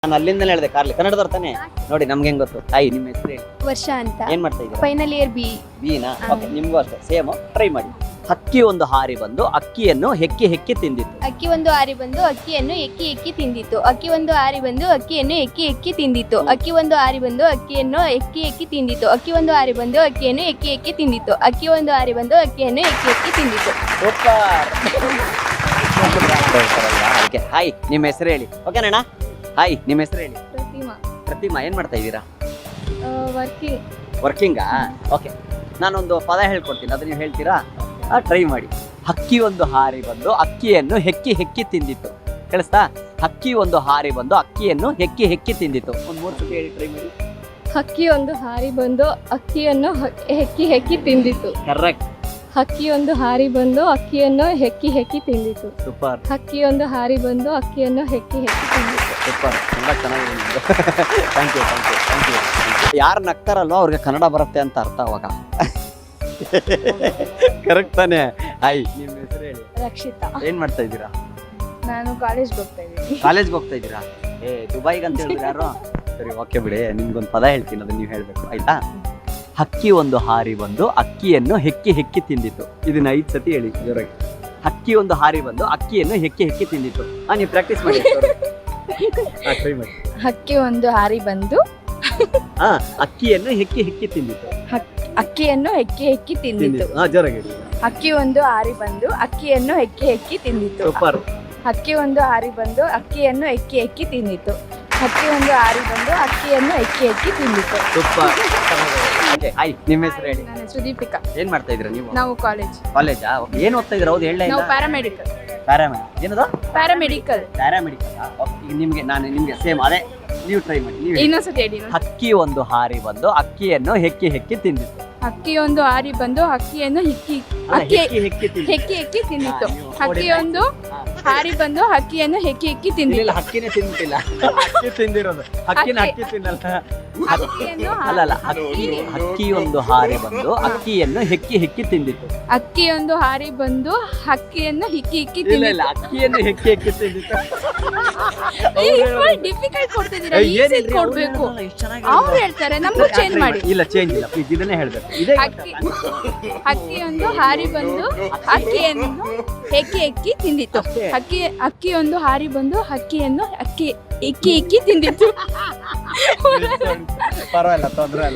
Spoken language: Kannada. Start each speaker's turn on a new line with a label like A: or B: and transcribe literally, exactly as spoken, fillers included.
A: ನಾನು ಅಲ್ಲಿಂದಲೇ ಹೇಳಿದೆ ಕಾರ್ಲಿ ಕನ್ನಡದವ್ರ ತಾನೆ ನೋಡಿ ನಮ್ಗೆ ಹೆಂಗ್ ಗೊತ್ತು. ಹಾಯ್ ನಿಮ್ಮ ಹೆಸರು ಹೇಳಿ.
B: ವರ್ಷ ಅಂತ.
A: ಏನ್ ಮಾಡ್ತಾ ಇದ್ದೀರಾ?
B: Final year B.
A: ಬಿನಾ? ಓಕೆ, ನಿಮ್ಗೂ ಅಷ್ಟೇ ಸೇಮ್. ಟ್ರೈ ಮಾಡಿ. ಹಕ್ಕಿ ಒಂದು ಹಾರಿ ಬಂದು ಅಕ್ಕಿಯನ್ನು ಹೆಕ್ಕಿ ಹೆಕ್ಕಿ ತಿಂದಿತ್ತು.
B: ಅಕ್ಕಿ ಒಂದು ಹಾರಿ ಬಂದು ಅಕ್ಕಿಯನ್ನು ಎಕ್ಕಿ ಎಕ್ಕಿ ತಿಂದಿತ್ತು. ಅಕ್ಕಿ ಒಂದು ಹಾರಿ ಬಂದು ಅಕ್ಕಿಯನ್ನು ಎಕ್ಕಿ ಎಕ್ಕಿ ತಿಂದಿತ್ತು. ಅಕ್ಕಿ ಒಂದು ಹಾರಿ ಬಂದು ಅಕ್ಕಿಯನ್ನು ಎಕ್ಕಿ ಎಕ್ಕಿ ತಿಂದಿತ್ತು. ಅಕ್ಕಿ ಒಂದು ಹಾರಿ ಬಂದು ಅಕ್ಕಿಯನ್ನು ಎಕ್ಕಿ ಎಕ್ಕಿ ತಿಂದಿತ್ತು. ಅಕ್ಕಿ ಒಂದು ಹಾರಿ ಬಂದು ಅಕ್ಕಿಯನ್ನು ಎಕ್ಕಿ ಎಕ್ಕಿ ತಿಂದಿತ್ತು.
A: ಸೂಪರ್. ಓಕೆ, ಹಾಯ್ ನಿಮ್ಮ ಹೆಸರು ಹೇಳಿ. ಓಕೆನಣ್ಣ? ಹಾಯ್ ನಿಮ್ಮ ಹೆಸರು ಹೇಳಿ.
B: ಪ್ರತಿಮಾ.
A: ಪ್ರತಿಮಾ, ಏನ್ ಮಾಡ್ತಾ ಇದ್ದೀರಾ?
B: ವರ್ಕಿಂಗ್.
A: ವರ್ಕಿಂಗಾ? ಓಕೆ, ನಾನೊಂದು ಪದ ಹೇಳ್ಕೊಡ್ತೀನಿ, ಅದು ನೀವು ಹೇಳ್ತೀರಾ? ಟ್ರೈ ಮಾಡಿ. ಹಕ್ಕಿ ಒಂದು ಹಾರಿ ಬಂದು ಅಕ್ಕಿಯನ್ನು ಹೆಕ್ಕಿ ಹೆಕ್ಕಿ ತಿಂದಿತ್ತು. ಕೇಳಿಸ್ತಾ? ಹಕ್ಕಿ ಒಂದು ಹಾರಿ ಬಂದು ಅಕ್ಕಿಯನ್ನು ಹೆಕ್ಕಿ ಹೆಕ್ಕಿ ತಿಂದಿತ್ತು. ಒಂದು ಮೂರು ಸತಿ ಹೇಳಿ, ಟ್ರೈ ಮಾಡಿ.
B: ಹಕ್ಕಿ ಒಂದು ಹಾರಿ ಬಂದು ಅಕ್ಕಿಯನ್ನು ಹೆಕ್ಕಿ ಹೆಕ್ಕಿ ತಿಂದಿತ್ತು.
A: ಕರೆಕ್ಟ್.
B: ಹಕ್ಕಿ ಒಂದು ಹಾರಿ ಬಂದು ಅಕ್ಕಿಯನ್ನು ಹೆಕ್ಕಿ ಹೆಕ್ಕಿ ತಿಂದಿತ್ತು.
A: ಸೂಪರ್.
B: ಹಕ್ಕಿ ಒಂದು ಹಾರಿ ಬಂದು ಅಕ್ಕಿಯನ್ನು ಹೆಕ್ಕಿ ಹೆಕ್ಕಿ ತಿಂದಿತ್ತು.
A: ಸೂಪರ್, ತುಂಬಾ ಚೆನ್ನಾಗಿದೆ ನಿಮ್ದು. Thank you thank you thank you ಯಾರು ನಗ್ತಾರಲ್ವ ಅವ್ರಿಗೆ ಕನ್ನಡ ಬರುತ್ತೆ ಅಂತ ಅರ್ಥ ಅವಾಗ. ಕರೆಕ್ಟ್ ತಾನೆ? ಹಾಯ್ ನಿಮ್ಮ ಹೆಸರು ಹೇಳಿ.
B: ರಕ್ಷಿತಾ.
A: ಏನ್ ಮಾಡ್ತಾ ಇದ್ದೀರಾ?
B: ನಾನು ಕಾಲೇಜ್ಗೆ ಹೋಗ್ತಾ ಇದ್ದೀನಿ.
A: ಕಾಲೇಜ್ಗೆ ಹೋಗ್ತಾ ಇದ್ದೀರಾ? ಏ ದುಬೈಗೆ ಅಂತ ಹೇಳಿದ್ರೆ ಯಾರು? ಸರಿ, ಓಕೆ ಬಿಡಿ, ನಿಮ್ಗೊಂದು ಪದ ಹೇಳ್ತೀನಿ, ಅದನ್ನ ನೀವು ಹೇಳ್ಬೇಕು, ಆಯ್ತಾ? ಹಕ್ಕಿ ಒಂದು ಹಾರಿ ಬಂದು ಅಕ್ಕಿಯನ್ನು ಹೆಕ್ಕಿ ಹೆಕ್ಕಿ ತಿಂದಿತ್ತು. ಇದನ್ನ ಐದು ಸತಿ ಹೇಳಿ ಜೋರಾಗಿ. ಹಕ್ಕಿ ಒಂದು ಹಾರಿ ಬಂದು ಅಕ್ಕಿಯನ್ನು ಹೆಕ್ಕಿ ಹೆಕ್ಕಿ ತಿಂದಿತ್ತು. ಹಾ, ನೀವು ಪ್ರಾಕ್ಟೀಸ್ ಮಾಡಿ. ಟ್ರೈ ಮಾಡಿ.
B: ಹಕ್ಕಿ ಒಂದು ಹಾರಿ ಬಂದು
A: ಹಾ, ಅಕ್ಕಿಯನ್ನು ಹೆಕ್ಕಿ ಹೆಕ್ಕಿ ತಿಂದಿತ್ತು.
B: ಅಕ್ಕಿಯನ್ನು ಹೆಕ್ಕಿ ಹೆಕ್ಕಿ ತಿಂದಿತ್ತು.
A: ಹಾ, ಜೋರಾಗಿ ಹೇಳಿ.
B: ಹಕ್ಕಿ ಒಂದು ಹಾರಿ ಬಂದು ಅಕ್ಕಿಯನ್ನು ಹೆಕ್ಕಿ ಹೆಕ್ಕಿ ತಿಂದಿತ್ತು.
A: ಸೂಪರ್.
B: ಹಕ್ಕಿ ಒಂದು ಹಾರಿ ಬಂದು ಅಕ್ಕಿಯನ್ನು ಹೆಕ್ಕಿ ಹೆಕ್ಕಿ ತಿಂದಿತ್ತು. ಹಕ್ಕಿ ಒಂದು ಹಾರಿ ಬಂದು ಅಕ್ಕಿಯನ್ನು ಹೆಕ್ಕಿ ಹೆಕ್ಕಿ ತಿಂದಿತ್ತು.
A: ಸೂಪರ್. ಓಕೆ, ಹಾಯ್ ನಿಮ್ಮ ಹೆಸರು ಹೇಳಿ.
B: ನನ್ನ ಹೆಸರು ದೀಪಿಕಾ.
A: ಏನ್ ಮಾಡ್ತಾ ಇದ್ದೀರಾ ನೀವು?
B: ನಾವು ಕಾಲೇಜ್.
A: ಕಾಲೇಜಾ? ಏನ್ ಓದ್ತಾ ಇದ್ದೀರಾ? ಹೌದು, ಹೇಳಲೇ
B: ನಾವು
A: ಇಲ್ಲ.
B: ಪ್ಯಾರಾಮೆಡಿಕಲ್.
A: ಪ್ಯಾರಾಮೆಡ್ ಏನದು?
B: ಪ್ಯಾರಾಮೆಡಿಕಲ್.
A: ಪ್ಯಾರಾಮೆಡಿಕಲ್. ಈಗ ನಿಮ್ಗೆ ನಾನು ನಿಮ್ಗೆ ಸೇಮ್ ಅದೇ, ನೀವು ಟ್ರೈ ಮಾಡಿ. ನೀವು ಹೇಳಿ.
B: ಇನ್ನೊಂದ್ಸತಿ ಹೇಳಿ.
A: ಹಕ್ಕಿ ಒಂದು ಹಾರಿ ಬಂದು ಅಕ್ಕಿಯನ್ನು ಹೆಕ್ಕಿ ಹೆಕ್ಕಿ ತಿಂದಿತ್ತು.
B: ಹಕ್ಕಿ ಒಂದು ಹಾರಿ ಬಂದು ಅಕ್ಕಿಯನ್ನು ಹಿಕ್ಕಿ
A: ಅಲ್ಲ,
B: ಅಕ್ಕಿ
A: ಹೆಕ್ಕಿ ಹೆಕ್ಕಿ ತಿಂದಿತ್ತು.
B: ಹೆಕ್ಕಿ ಹೆಕ್ಕಿ ತಿಂದಿತ್ತು.
A: ಹಾ, ನೀವು
B: ಹಕ್ಕಿ
A: ನೋಡಿ.
B: ಒಂದು
A: ಹಾ.
B: ಹಾರಿ ಬಂದು ಹಕ್ಕಿಯನ್ನು ಹೆಕ್ಕಿ ಹೆಕ್ಕಿ
A: ಇಲ್ಲ,
B: ತಿಂದಿತ್ತು.
A: ಇಲ್ಲ, ಹಕ್ಕಿನೇ ತಿಂದಿಲ್ಲ. ಹಕ್ಕಿ ತಿಂದಿರೋದು. ಹಕ್ಕಿನ
B: ಹಕ್ಕಿ.
A: ಹಕ್ಕಿ ತಿನ್ನಲ್ಲ.
B: ಹಕ್ಕಿಯನ್ನು
A: ಅಲ್ಲ ಅಲ್ಲ, ಹಕ್ಕಿ ಹಕ್ಕಿ ಒಂದು ಹಾರಿ ಬಂದು ಅಕ್ಕಿಯನ್ನು ಹೆಕ್ಕಿ ಹೆಕ್ಕಿ ತಿಂದಿತ್ತು.
B: ಅಕ್ಕಿಯೊಂದು ಹಾರಿ ಬಂದು ಹಕ್ಕಿಯನ್ನು ಹಿಕ್ಕಿ ಹಿಕ್ಕಿ
A: ಇಲ್ಲ ಇಲ್ಲ,
B: ತಿಂದಿತ್ತು.
A: ಅಕ್ಕಿಯನ್ನು ಹೆಕ್ಕಿ ಹೆಕ್ಕಿ ತಿಂದಿತ್ತು.
B: ಡಿಫಿಕಲ್ಟ್ ಕೊಡ್ತಿದ್ದೀರಾ,
A: ಏ,
B: ಈಸಿ
A: ಏನಿಲ್ರಿ,
B: ಕೊಡ್ಬೇಕು.
A: ಅವ್ರು ಎಷ್ಟು ಚೆನ್ನಾಗಿ
B: ಅವ್ರು
A: ಹೇಳಿದ್ರು.
B: ಹೇಳ್ತಾರೆ, ನಮ್ಗೂ ಚೇಂಜ್ ಮಾಡಿ.
A: ಇಲ್ಲ, ಚೇಂಜ್ ಇಲ್ಲ, ಪ್ಲೀಸ್ ಇದನ್ನೇ ಹೇಳ್ಬೇಕು. ಇದೇ
B: ಅಕ್ಕಿ ಅಕ್ಕಿಯೊಂದು ಹಾರಿ ಬಂದು ಅಕ್ಕಿಯನ್ನು ಹೆಕ್ಕಿ ಹೆಕ್ಕಿ ತಿಂದಿತ್ತು.
A: ಅಷ್ಟೇ.
B: ಅಕ್ಕಿ ಅಕ್ಕಿಯೊಂದು ಹಾರಿ ಬಂದು ಹಕ್ಕಿಯನ್ನು ಅಕ್ಕಿ ಇಕ್ಕಿ ಇಕ್ಕಿ ತಿಂದಿತ್ತು.
A: ಪರವಾಗಿಲ್ಲ, ತೊಂದ್ರೆ ಇಲ್ಲ.